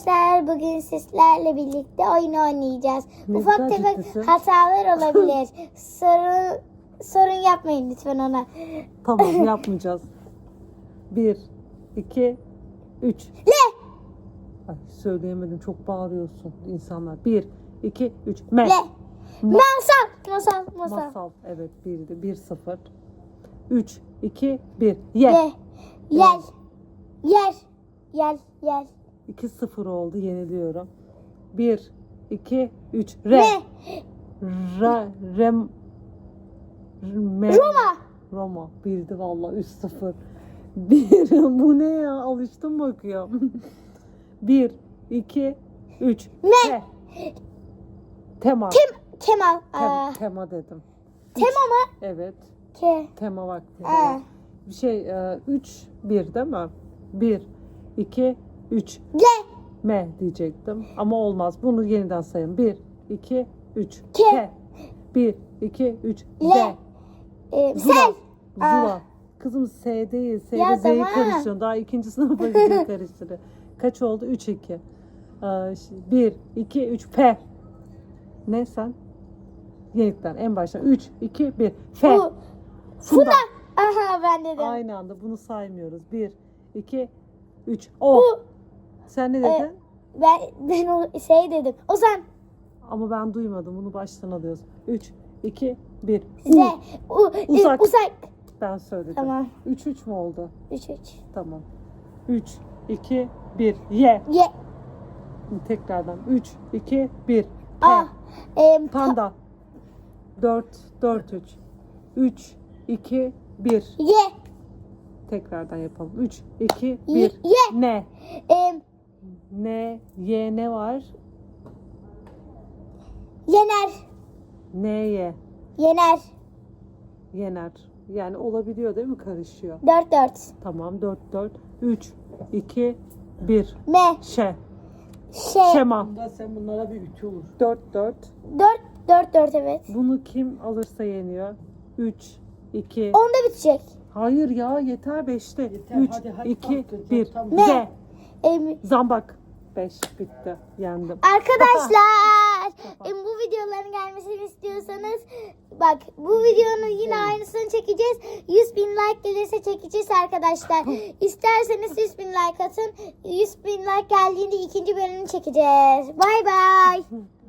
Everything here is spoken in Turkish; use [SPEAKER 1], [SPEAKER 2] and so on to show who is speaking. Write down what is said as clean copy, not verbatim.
[SPEAKER 1] Bugün sizlerle birlikte oyun oynayacağız.
[SPEAKER 2] Ne
[SPEAKER 1] Ufak
[SPEAKER 2] kadar
[SPEAKER 1] tefek
[SPEAKER 2] ciddisin.
[SPEAKER 1] hatalar olabilir. Sorun yapmayın lütfen ona.
[SPEAKER 2] Tamam, yapmayacağız. 1, 2, 3.
[SPEAKER 1] Le,
[SPEAKER 2] Ay, söyleyemedim, çok bağırıyorsun insanlar. 1, 2, 3. Me.
[SPEAKER 1] le. Masal.
[SPEAKER 2] Masal. Evet, 1'di. 1-0. 3, 2, 1. Ye.
[SPEAKER 1] Le. Yel.
[SPEAKER 2] 2-0 oldu. Yeniliyorum. 1, 2, 3. Re.
[SPEAKER 1] Ne?
[SPEAKER 2] Rem. Roma. Bildi vallahi 3-0. Bu ne ya? Alıştım bakıyorum. 1, 2, 3.
[SPEAKER 1] Ne?
[SPEAKER 2] Tema.
[SPEAKER 1] Kemal.
[SPEAKER 2] Tema dedim.
[SPEAKER 1] Tema mı?
[SPEAKER 2] Evet.
[SPEAKER 1] Ke.
[SPEAKER 2] Tema vakti.
[SPEAKER 1] Aa.
[SPEAKER 2] Bir şey 3, 1 değil mi? 1, 2, 3.
[SPEAKER 1] Le.
[SPEAKER 2] Me diyecektim. Ama olmaz. Bunu yeniden sayın. 1, 2, 3.
[SPEAKER 1] Ke.
[SPEAKER 2] 1, 2, 3.
[SPEAKER 1] Le.
[SPEAKER 2] Zula.
[SPEAKER 1] Sel.
[SPEAKER 2] Zula. Kızım S değil. S
[SPEAKER 1] Ya
[SPEAKER 2] ile Z'yi
[SPEAKER 1] tamam.
[SPEAKER 2] karıştırıyorsun. Daha ikinci sınıfa gidiyor karıştırıyor. Kaç oldu? 3, 2. 1, 2, 3. P. Ne sen? Yeniden en baştan. 3, 2, 1. F.
[SPEAKER 1] Funda. Aha ben dedim.
[SPEAKER 2] Aynı anda bunu saymıyoruz. 1, 2, 3. O. Sen ne dedin?
[SPEAKER 1] Ben o şey dedim. Ozan.
[SPEAKER 2] Ama ben duymadım. Bunu baştan alıyoruz. 3, 2, 1.
[SPEAKER 1] Uzak. Uzak.
[SPEAKER 2] Ben söyledim.
[SPEAKER 1] Tamam.
[SPEAKER 2] 3 mü oldu?
[SPEAKER 1] 3.
[SPEAKER 2] Tamam. 3, 2, 1. Ye.
[SPEAKER 1] Ye.
[SPEAKER 2] Tekrardan. 3, 2, 1. P. Panda. 4, 3. 3, 2, 1.
[SPEAKER 1] Ye.
[SPEAKER 2] Tekrardan yapalım. 3, 2, 1.
[SPEAKER 1] Ye.
[SPEAKER 2] Ne? Ne var?
[SPEAKER 1] Yener.
[SPEAKER 2] Neye? Yener. Yani olabiliyor değil mi? Karışıyor.
[SPEAKER 1] 4.
[SPEAKER 2] Tamam. 4, 3, 2, 1.
[SPEAKER 1] Me.
[SPEAKER 2] Şema.
[SPEAKER 3] Bunda sen bunlara bir ütü olur.
[SPEAKER 2] 4.
[SPEAKER 1] 4 evet.
[SPEAKER 2] Bunu kim alırsa yeniyor. 3, 2.
[SPEAKER 1] Onda bitecek.
[SPEAKER 2] Hayır ya, yeter 5'te.
[SPEAKER 3] Yeter,
[SPEAKER 2] 3,
[SPEAKER 3] hadi,
[SPEAKER 2] 2,
[SPEAKER 3] kalk,
[SPEAKER 2] 1.
[SPEAKER 3] tamam.
[SPEAKER 2] Z.
[SPEAKER 1] Zambak.
[SPEAKER 2] 5 bitti. Yendim.
[SPEAKER 1] Arkadaşlar bu videoların gelmesini istiyorsanız bak bu videonun yine aynısını çekeceğiz. 100.000 like gelirse çekeceğiz arkadaşlar. İsterseniz 100.000 like atın. 100.000 like geldiğinde ikinci bölümünü çekeceğiz. Bay bay.